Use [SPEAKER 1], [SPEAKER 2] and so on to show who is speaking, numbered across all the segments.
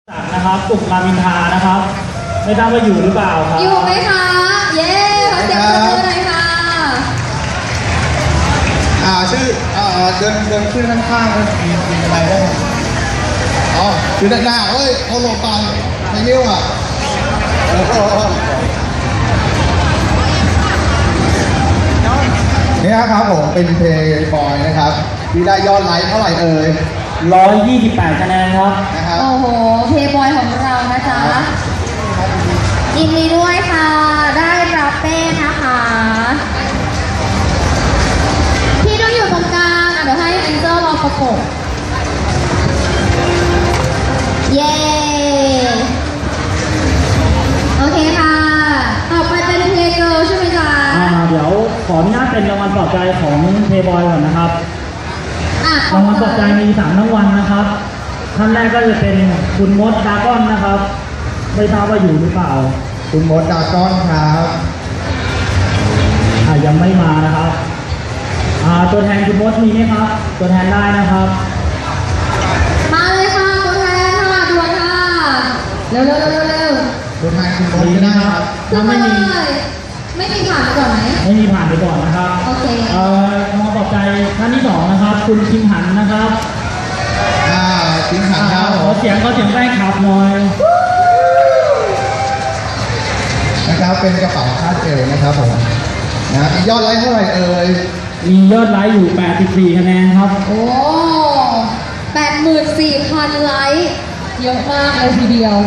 [SPEAKER 1] นะครับสุขรามอินทรานะครับไม่ทราบว่าอยู่หรือเปล่าครับ
[SPEAKER 2] อยู่ไหมคะเย้ขอเสียงปรบมือหน่อยค่ะ
[SPEAKER 3] ชื่อเดินขึ้นข้างๆมีอะไรได้ไหมอ๋อคือด้านหน้าเฮ้ยเอาลงไปไม่เยี่ยวอ่ะนี่ครับผมเป็นเพลย์บอยนะครับที่ได้ยอดไลค์เท่าไหร่เอ่ย
[SPEAKER 1] 128คะแนนครับ
[SPEAKER 3] นะครับ
[SPEAKER 2] โอ้โหเพย์บอยของเรานะจ๊ะยินดีด้วยค่ะได้รับเป้นะคะพี่ต้องอยู่ตรงกลางเดี๋ยวให้แองเจิลรอประกบเย้โอเคค่ะต่อไปเป็นเพลย์เกิร์ลใช่ไหมจ๊ะ
[SPEAKER 1] เดี๋ยวขออนุญาตเป็นรางวัลปลอบใจของเพย์บอยก่อนนะครับรางวัลปลอบใจมี3รางวัลนะครับท่านแรกก็จะเป็นคุณมดดราก้อนนะครับไม่ทราบว่าอยู่หรือเปล่า
[SPEAKER 3] คุณมดดราก้อนครับ
[SPEAKER 1] ยังไม่มานะครับตัวแทนคุณมดมีไหมครับตัวแทนได้นะครับ
[SPEAKER 2] มาเลยค่ะตัวแทนค่ะด่วนค่ะเร็ว
[SPEAKER 3] ตัวแทนคุณมดไม่ได้ครับ
[SPEAKER 1] ถ้าไม่มี
[SPEAKER 2] ผ่านไปก่อนไหม
[SPEAKER 1] ไม่มีผ่านไปก่อนนะครับ
[SPEAKER 2] โอเค
[SPEAKER 1] รางวัลปลอบใจท่านที่2นะครับคุณคิมหันนะครับ
[SPEAKER 3] คิมหันครับ
[SPEAKER 1] ขอเสียงแป้งขับหน่อย
[SPEAKER 3] นะครับเป็นกระเป๋าคาดเอวนะครับผมนะมียอดไลค์เท่าไหร่เอ่ย
[SPEAKER 1] มียอดไลค์อยู่84คะแนนครับ
[SPEAKER 2] โอ้ 84,000 ไลค์เยอะมากเลยทีเดียว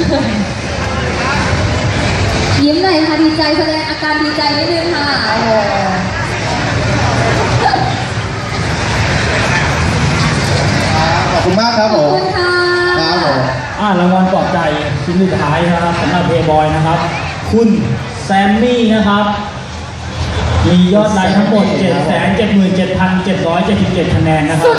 [SPEAKER 2] ยิ้มหน่อยค่ะดีใจแสดงอาการดีใจนิดนึงค่ะ
[SPEAKER 3] ขอบคุณมากครับผม
[SPEAKER 2] ขอบคุณค่ะ
[SPEAKER 3] ครับผม
[SPEAKER 1] รางวัลปลอบใจชิ้นสุดท้ายนะครับสำหรับเพย์บอยนะครับคุณแซมมี่นะครับมียอดไลค์ทั้งหมด 777,777 คะแนนนะครับ